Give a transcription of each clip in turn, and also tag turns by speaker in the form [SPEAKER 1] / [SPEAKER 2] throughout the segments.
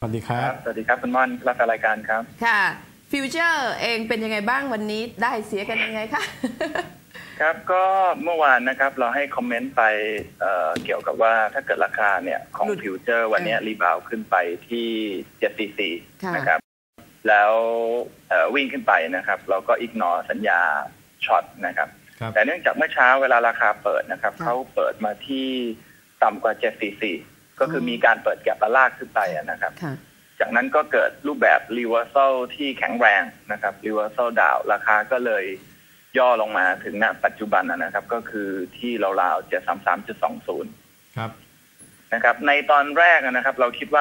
[SPEAKER 1] วัสดีครับ
[SPEAKER 2] สวัสดีครับคุณม่อนรับรายการครับ
[SPEAKER 3] ค่ะฟิวเจอร์เองเป็นยังไงบ้างวันนี้ได้เสียกันยังไงคะ
[SPEAKER 2] ครับก็เมื่อวานนะครับเราให้คอมเมนต์ไปเกี่ยวกับว่าถ้าเกิดราคาเนี่ยของฟิวเจอร์วันนี้รีบาวขึ้นไปที่744นะครับแล้ววิ่งขึ้นไปนะครับเราก็อิกนอสัญญาช็อตนะครับแต่เนื่องจากเมื่อเช้าเวลาราคาเปิดนะครับเขาเปิดมาที่ต่ำกว่า744ก็คือมีการเปิดแก็บและลากขึ้นไปนะครับจากนั้นก็เกิดรูปแบบ reversal ที่แข็งแรงนะครับ reversal down ราคาก็เลยย่อลงมาถึงณปัจจุบันนะครับก็คือที่ราวๆ 733.20
[SPEAKER 1] ครับ
[SPEAKER 2] นะครับในตอนแรกนะครับเราคิดว่า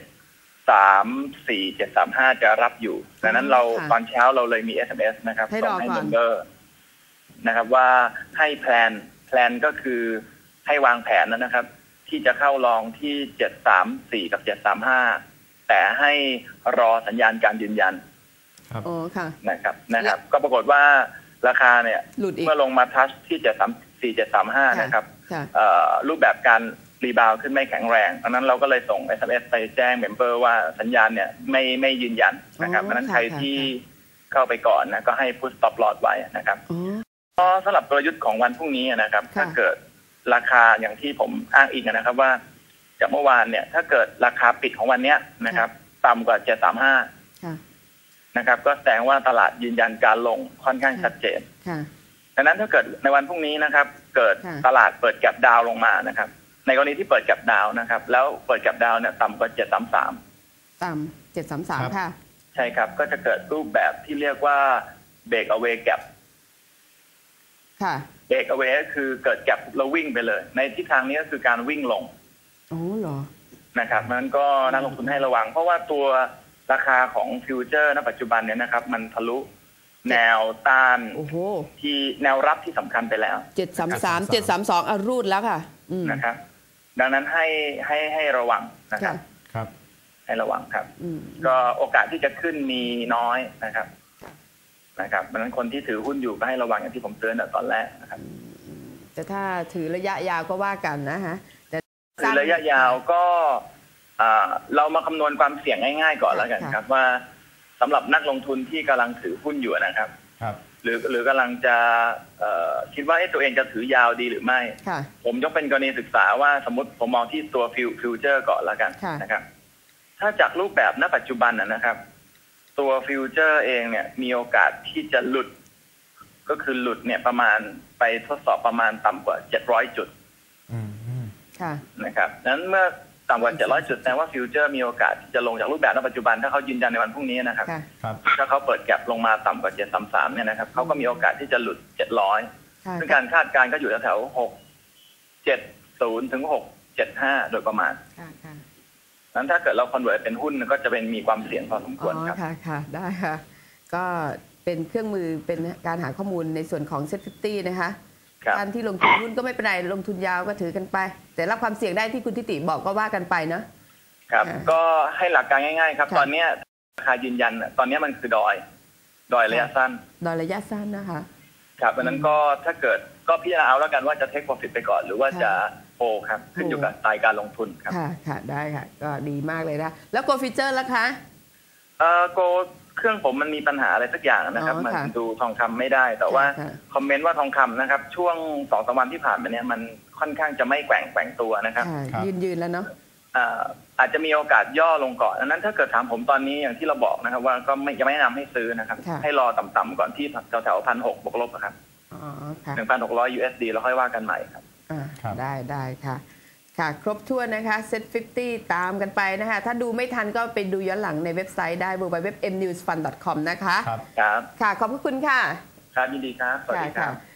[SPEAKER 2] 734 735จะรับอยู่ดังนั้นเราตอนเช้าเราเลยมี SMS นะครับส่งให้เมมเบอร์นะครับว่าให้แพลนก็คือให้วางแผนนะครับที่จะเข้าลองที่734กับ735แต่ให้รอสัญญาณการยืนยัน
[SPEAKER 1] ครับ
[SPEAKER 3] โอ้ค่ะ
[SPEAKER 2] นะครับก็ปรากฏว่าราคาเนี่ยเมื่อลงมาทัชที่734 735นะครับรูปแบบการรีบาวขึ้นไม่แข็งแรงดังนั้นเราก็เลยส่ง SMS ไปแจ้งเมมเบอร์ว่าสัญญาณเนี่ยไม่ยืนยันนะครับเพราะนั้นใครที่เข้าไปก่อนนะก็ให้พุท stop loss ไว้นะครับก็สำหรับกลยุทธ์ของวันพรุ่งนี้นะครับถ้าเกิดราคาอย่างที่ผมอ้างอิงนะครับว่าจากเมื่อวานเนี่ยถ้าเกิดราคาปิดของวันนี้นะครับต่ำกว่า735นะครับก็แสดงว่าตลาดยืนยันการลงค่อนข้างชัดเจนดังนั้นถ้าเกิดในวันพรุ่งนี้นะครับเกิดตลาดเปิดแก็ปดาวลงมานะครับในกรณีที่เปิดแก็ปดาวนะครับแล้วเปิดแก็ปดาวเนี่ยต่ำกว่า733
[SPEAKER 3] ต่ำ733ค่ะ
[SPEAKER 2] ใช่ครับก็จะเกิดรูปแบบที่เรียกว่าเบรกเอาเวย์แก็ป
[SPEAKER 3] ค่ะ
[SPEAKER 2] เบรกเอาเวย์ก็คือเกิดแก็ปแล้ววิ่งไปเลยในทิศทางนี้ก็คือการวิ่งลง
[SPEAKER 3] โอ้เหรอ
[SPEAKER 2] นะครับนั้นก็นักลงทุนให้ระวังเพราะว่าตัวราคาของฟิวเจอร์ณปัจจุบันเนี่ยนะครับมันทะลุแนวต้านที่แนวรับที่สำคัญไปแล้ว
[SPEAKER 3] 733 732รูดแล้วค่ะ
[SPEAKER 2] นะครับดังนั้นให้ระวังนะครับให้ระวังครับก็โอกาสที่จะขึ้นมีน้อยนะครับดังนั้นคนที่ถือหุ้นอยู่ก็ให้ระวังอย่างที่ผมเตือนตอนแรกนะครับ
[SPEAKER 3] แต่ถ้าถือระยะยาวก็ว่ากันนะฮะแต่
[SPEAKER 2] ถือระยะยาวก็เรามาคำนวณความเสี่ยงง่ายๆก่อนแล้วกันครับว่าสำหรับนักลงทุนที่กำลังถือหุ้นอยู่นะครับหรือกำลังจะคิดว่าตัวเองจะถือยาวดีหรือไม่ผมยกเป็นกรณีศึกษาว่าสมมติผมมองที่ตัวฟิวเจอร์ก่อนแล้วกันนะครับถ้าจากรูปแบบณปัจจุบันนะครับตัวฟิวเจอร์เองเนี่ยมีโอกาสที่จะหลุดก็คือหลุดเนี่ยประมาณไปทดสอบประมาณต่ำกว่า700 จุดนะครับนั้นเมื่อต่ำกว่า700 จุดแสดงว่าฟิวเจอร์มีโอกาสที่จะลงจากรูปแบบณปัจจุบันถ้าเขายืนยันในวันพรุ่งนี้นะครับถ้าเขาเปิดแก็ปลงมาต่ำกว่า733เนี่ยนะครับเขาก็มีโอกาสที่จะหลุด700ซึ่งการคาดการณ์ก็อยู่แถว670 ถึง 675โดยประมาณนั้นถ้าเกิดเราคอนเวิร์ตเป็นหุ้นก็จะเป็นมีความเสี่ยงพอสมควรครับ
[SPEAKER 3] ค่ะได้ค่ะก็เป็นเครื่องมือเป็นการหาข้อมูลในส่วนของเซ็ต50นะคะการที่ลงทุนหุ้นก็ไม่เป็นไรลงทุนยาวก็ถือกันไปแต่รับความเสี่ยงได้ที่คุณทิติบอกก็ว่ากันไปเนาะ
[SPEAKER 2] ครับก็ให้หลักการง่ายๆครับตอนนี้ราคายืนยันตอนนี้มันคือดอยระยะสั้น
[SPEAKER 3] ดอยระยะสั้นนะคะ
[SPEAKER 2] ครับดังนั้นก็ถ้าเกิดก็พิจารณาเอาแล้วกันว่าจะเทคโปรฟิตไปก่อนหรือว่าจะโฮครับขึ้นอยู่กับสไตล์การลงทุนครับ
[SPEAKER 3] ค่ะได้ค่ะก็ดีมากเลยนะแล้วโกฟิเจอร์ล่ะคะ
[SPEAKER 2] โกเครื่องผมมันมีปัญหาอะไรสักอย่างนะครับมันดูทองคำไม่ได้แต่ว่าคอมเมนต์ว่าทองคำนะครับช่วง2-3 วันที่ผ่านมาเนี่ยมันค่อนข้างจะไม่แกว่งตัวนะครับ
[SPEAKER 3] ยืนแล้วเนาะ
[SPEAKER 2] อาจจะมีโอกาสย่อลงก่อนดังนั้นถ้าเกิดถามผมตอนนี้อย่างที่เราบอกนะครับว่าก็ยังไม่แนะนำให้ซื้อนะครับให้รอต่ำๆก่อนที่แถว1,600บวกลบครับ1,600 USD แล้วค่อยว่ากันใหม่ครับ
[SPEAKER 3] ได้ค่ะครบถ้วนนะคะเซ็ต50ตามกันไปนะคะถ้าดูไม่ทันก็ไปดูย้อนหลังในเว็บไซต์ได้ www.mnewsfund.com นะคะ
[SPEAKER 2] ครับ
[SPEAKER 3] ค่ะขอบคุณค่ะ
[SPEAKER 2] ครับยินดีครับสวัสดีครับ